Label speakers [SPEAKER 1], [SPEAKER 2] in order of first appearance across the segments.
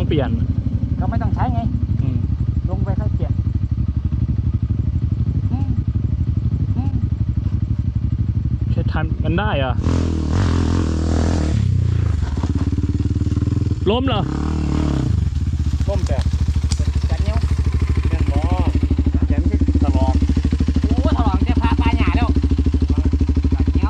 [SPEAKER 1] ต้องเปลี่ยน
[SPEAKER 2] ก็ไม่ต้องใช้ไงลงไปค่อยเปลี่ยน
[SPEAKER 1] ใช้ทันมันได้เหรอล้มเหรอ
[SPEAKER 3] ล้มแต่
[SPEAKER 2] กันเนี้ย
[SPEAKER 3] แม่นบ่แขนคือตลอด
[SPEAKER 2] โอ้ถลอกจะพาปลาหยาแล้วกันเนี้ย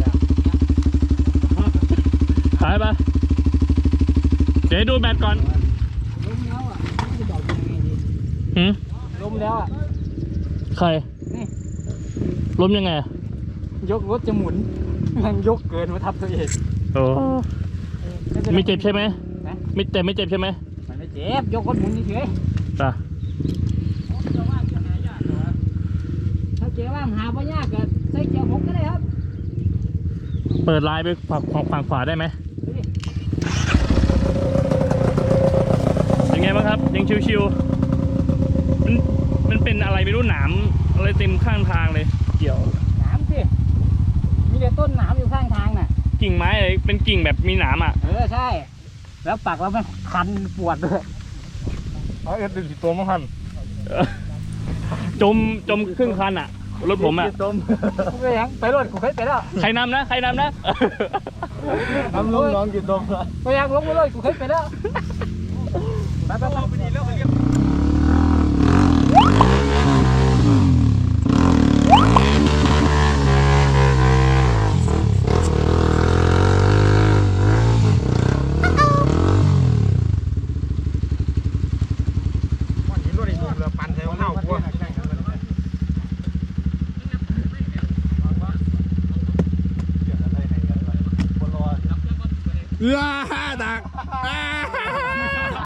[SPEAKER 1] หายไปเดี๋ยวดูแบตก่อน
[SPEAKER 2] ล้มแล้วอ่ะจะบอกยังไงดีล้มแล้วอ่ะ
[SPEAKER 1] ใคร
[SPEAKER 2] นี่
[SPEAKER 1] ล้มยังไง
[SPEAKER 2] ยกรถจะหมุนมันยกเกินมาทับตัวเอง
[SPEAKER 1] โอ้ไม่เจ็บใช่ไหมไม่เจ็บใช่ไหม
[SPEAKER 2] มันไม่เจ็บยกรถหมุนเฉย
[SPEAKER 1] จ้ะ
[SPEAKER 2] ถ้าเจ๊ว่าหาไม่ยากก็ใส่เกียร์6ก็ได้ครับ
[SPEAKER 1] เปิดลายไปฝั่งขวาได้ไหมยังไงบ้างครับยังชิวๆมันเป็นอะไรไม่รู้หนามอะไรเต็มข้างทางเลยเกี่ยว
[SPEAKER 2] หนามสิมีแต่ต้นหนามอยู่ข้างทางน่ะ
[SPEAKER 1] กิ่งไม้อะไรเป็นกิ่งแบบมีหนามอ่ะ
[SPEAKER 2] ใช่แล้วปักแล้วมันคันปวดด้วย
[SPEAKER 3] เอาเอ็ดดึงตัวมั้งคัน
[SPEAKER 1] จมครึ่งคันอ่ะรถผมอ่ะ
[SPEAKER 2] ไปยังไปรถกูเคยไปแล้ว
[SPEAKER 1] ใครนำนะ
[SPEAKER 3] น้ำน้องกี่ตัว
[SPEAKER 2] ไปยังลงไปเลยกูเคยไปแล้วไปดีแล้วเรียบ
[SPEAKER 3] ดัก